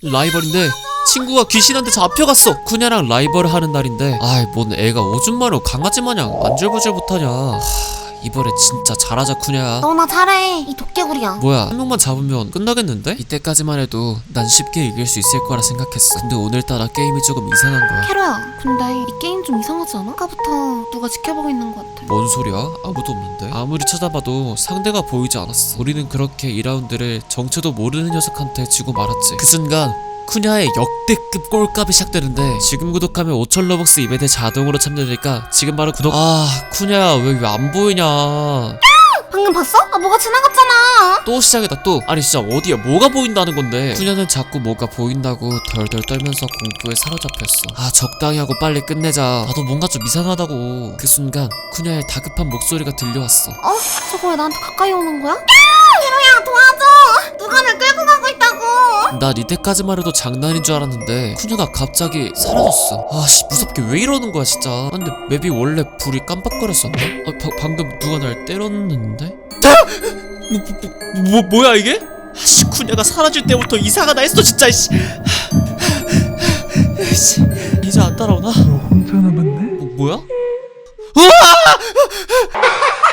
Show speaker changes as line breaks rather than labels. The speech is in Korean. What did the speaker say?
라이벌인데 친구가 귀신한테 잡혀갔어. 쿠냐랑 라이벌을 하는 날인데 아이 뭔 애가 오줌 마려 강아지 마냥 안절부절 못하냐. 이번에 진짜 잘하자 쿠냐.
너나 잘해. 이 도깨구리야.
뭐야 한 명만 잡으면 끝나겠는데? 이때까지만 해도 난 쉽게 이길 수 있을 거라 생각했어. 근데 오늘따라 게임이 조금 이상한 거야.
캐로야, 근데 이 게임 좀 이상하지 않아? 아까부터 누가 지켜보고 있는 것 같아.
뭔 소리야? 아무도 없는데? 아무리 찾아봐도 상대가 보이지 않았어. 우리는 그렇게 2라운드를 정체도 모르는 녀석한테 지고 말았지. 그 순간 쿠냐의 역대급 꼴값이 시작되는데 지금 구독하면 5,000 러벅스 이벤트 자동으로 참여되니까 지금 바로 구독. 쿠냐야 왜 안 보이냐.
방금 봤어? 뭐가 지나갔잖아.
또 시작이다 또. 아니 진짜 어디야 뭐가 보인다는 건데. 쿠냐는 자꾸 뭐가 보인다고 덜덜 떨면서 공포에 사로잡혔어. 적당히 하고 빨리 끝내자. 나도 뭔가 좀 이상하다고. 그 순간 쿠냐의 다급한 목소리가 들려왔어.
저거 왜 나한테 가까이 오는 거야? 캐로야, 도와줘. 누가 날 끌고 가고 있다고.
난 이때까지만 해도 장난인 줄 알았는데 쿠냐가 갑자기 사라졌어. 무섭게 왜 이러는 거야 진짜. 근데 맵이 원래 불이 깜빡거렸었나? 방금 누가 날 때렸는데? 뭐야 이게? 쿠냐가 사라질 때부터 이상하다 했어 진짜. 이제 안 따라오나?
너 혼자 남았네?
뭐야? 우와!